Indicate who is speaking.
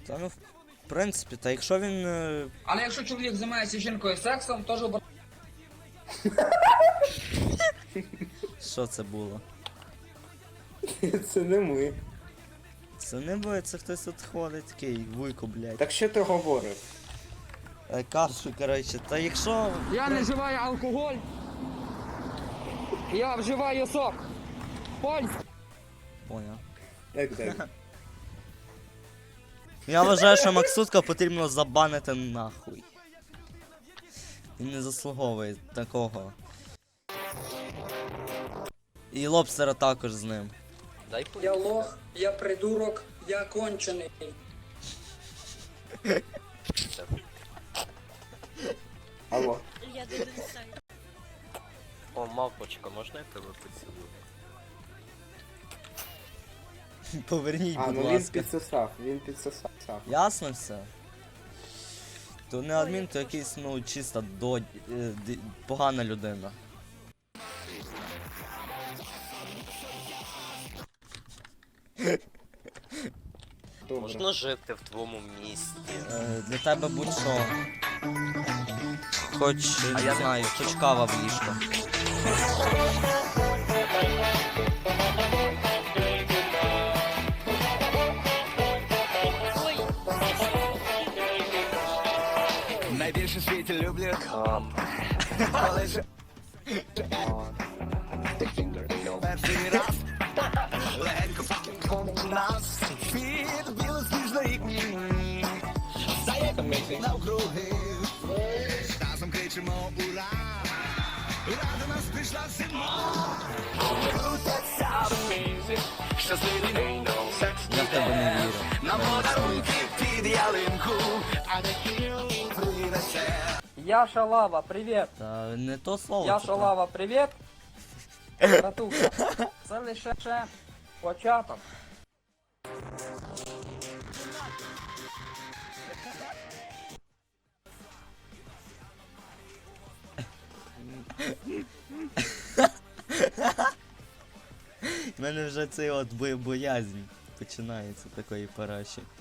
Speaker 1: Та ну, в принципі, та якщо він...
Speaker 2: Але якщо чоловік займається жінкою сексом, теж
Speaker 1: Що це було?
Speaker 3: Це не ми.
Speaker 1: Це не ви, це хтось тут ходить такий, вуйко, блядь.
Speaker 3: Так що ти говорив?
Speaker 1: Кажу, коротше, та якщо...
Speaker 2: я не вживаю алкоголь. Я вживаю сок. Польський.
Speaker 1: Поняв.
Speaker 3: Так.
Speaker 1: Я вважаю, що Максутка потрібно забанити нахуй. Він не заслуговує такого. І лобстера також з ним.
Speaker 4: Дай
Speaker 2: Я лох, я придурок, я кончений.
Speaker 3: Алло.
Speaker 5: Я не знаю.
Speaker 4: О, мавпочка, можна я тебе поцілую?
Speaker 1: Поверніть,
Speaker 3: А,
Speaker 1: будь
Speaker 3: ну він
Speaker 1: ласка.
Speaker 3: підсосав.
Speaker 1: Ясно все? То не адмін, то якийсь, ну, чисто погана людина.
Speaker 3: Добре.
Speaker 4: Можна жити в твоєму місті?
Speaker 1: Для тебе будь-що. Хоч, не знаю, хоч кава в ліжко.
Speaker 5: Ой,
Speaker 6: Найбільше в світі люблю. Перший раз легенько нас під білосніжний стає навкруги. Разом кричимо ура! Ура, до нас прийшла зима! Крутяться мізі, щасливі день,
Speaker 1: Я в тебе не вірю.
Speaker 6: нам подарунки під ялинку, а не принесе.
Speaker 2: Я Шалава, привіт.
Speaker 1: Та не то слово.
Speaker 2: Я
Speaker 1: це
Speaker 2: Шалава, привіт. Братуха, це лише початок.
Speaker 1: В мене вже цей от боязнь починається такої параші.